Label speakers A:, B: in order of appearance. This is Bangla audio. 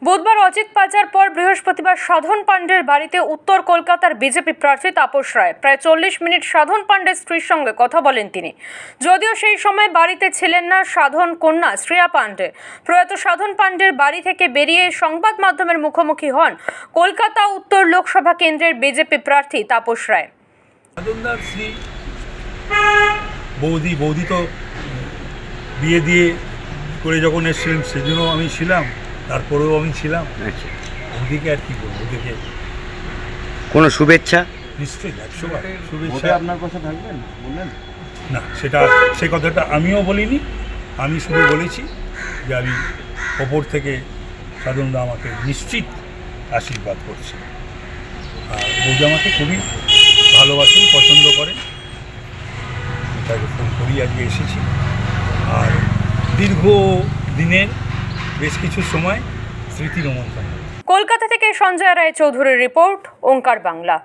A: বুধবার অজিত পাচার পর বৃহস্পতিবার সাধন পাণ্ডের বাড়িতে উত্তর কলকাতার বিজেপি প্রার্থী তাপস রায় প্রায় 40 মিনিট সাধন পাণ্ডের স্ত্রীর সঙ্গে কথা বলেন তিনি। যদিও সেই সময় বাড়িতে ছিলেন না সাধন কন্যা শ্রেয়া পাণ্ডে। প্রয়াত সাধন পাণ্ডের বাড়ি থেকে বেরিয়ে সংবাদ মাধ্যমের মুখোমুখি হন কলকাতা উত্তর লোকসভা কেন্দ্রের বিজেপি প্রার্থী তাপস রায়।
B: সাধনদার শ্রী বৌদি তো বিয়ে দিয়ে করে যখন এসেছিলেন সেজন্য আমি ছিলাম, তারপরেও আমি ছিলাম।
C: আচ্ছা,
B: ওদিকে আর কি বলবো, ওদিকে
C: কোনো শুভেচ্ছা?
B: নিশ্চয়ই 100 বার শুভেচ্ছা।
D: ভোটে আপনার পাশে থাকবেন বললেন
B: না, সে কথাটা আমিও বলিনি। আমি শুধু বলেছি যে আমি ওপর থেকে সাধনদা আমাকে নিশ্চিত আশীর্বাদ করছে। আর বৌদি আমাকে খুবই ভালোবাসেন, পছন্দ করেন। তাকে ফোন করি আজকে এসেছি। আর দীর্ঘ দিনের বেশ কিছু সময় স্মৃতি রোমন্থন।
A: কলকাতা থেকে সঞ্জয় রায় চৌধুরীর রিপোর্ট, ওঙ্কার বাংলা।